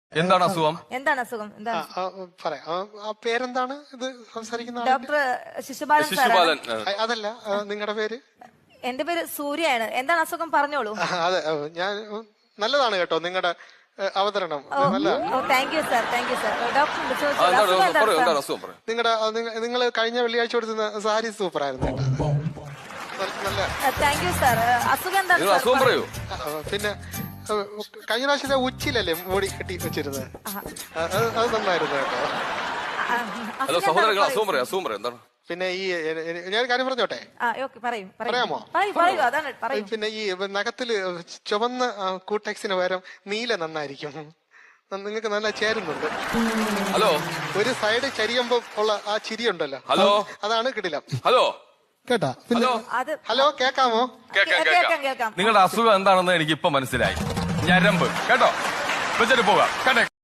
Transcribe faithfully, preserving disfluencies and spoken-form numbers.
എന്താണ് അസുഖം? എന്താണ് അസുഖം? എന്താണ് പറയാം. ആ പേരെന്താണ് ഇത് സംസാരിക്കുന്ന? ഡോക്ടർ ശിശുപാലൻ സാറാണ്. ശിശുപാലൻ. ആ, അതല്ല, നിങ്ങളുടെ പേര്? എന്റെ പേര് സൂര്യയാണ്. എന്താണ് അസുഖം പറഞ്ഞോളൂ. ആ, അതെ, ഞാൻ നല്ലതാണ് കേട്ടോ നിങ്ങളുടെ അവതരണം. നല്ല thank you sir, thank you sir. Doctor ആ, എന്താണ് പറയൂ, എന്താണ് അസുഖം പറയൂ. നിങ്ങളുടെ നിങ്ങൾ കഴിഞ്ഞ വെള്ളിയാഴ്ച കൊടുത്തുന്ന സാരി സൂപ്പർ ആയിരുന്നു കേട്ടോ. നല്ല താങ്ക് യു സാർ. അസുഖം എന്താണ് നിങ്ങൾ സാർ? അസുഖം പറയൂ. ആ, പിന്നെ ആ, കഴിഞ്ഞ പ്രാവശ്യത്തെ ഉച്ചിലല്ലേ മൂടി കെട്ടി വെച്ചിരുന്നത്? ആ, അത് അത് നന്നായിരുന്നു കേട്ടോ. ആ, ഹലോ അസുഖം സഹോദരങ്ങൾ, എന്താണ്? അസുഖം പറയൂ, അസുഖം പറയൂ. എന്താണ്? പിന്നെ ഈ ഞാൻ കാര്യം പറഞ്ഞോട്ടെ? ആ, ഓക്കേ, പറയൂ, പറയൂ. പറയാമോ? പറയൂ, പറയൂ, അതാണ് പറയൂ. പിന്നെ ഈ നഖത്തില് ചുവന്ന കൂട്ടെക്സിന് പകരം നീല നന്നായിരിക്കും. നിങ്ങൾക്ക് നല്ല ചേരുന്നുണ്ട്. ഹലോ ഒരു സൈഡ് ചരിയുമ്പോ ഉള്ള ആ ചിരി ഉണ്ടല്ലോ, ഹലോ, അതാണ് കിടിലം ഹലോ കേട്ടാ. ഹലോ അത് ഹലോ, കേക്കാമോ? കേക്കാം കേൾക്കാം, കേക്കാം. കേൾക്കാം. നിങ്ങളുടെ അസുഖം എന്താണെന്ന് എനിക്ക് ഇപ്പൊ മനസ്സിലായി. ഞരമ്പ് കേട്ടോ. വെച്ചിട്ട് പോകാം കേട്ടെ.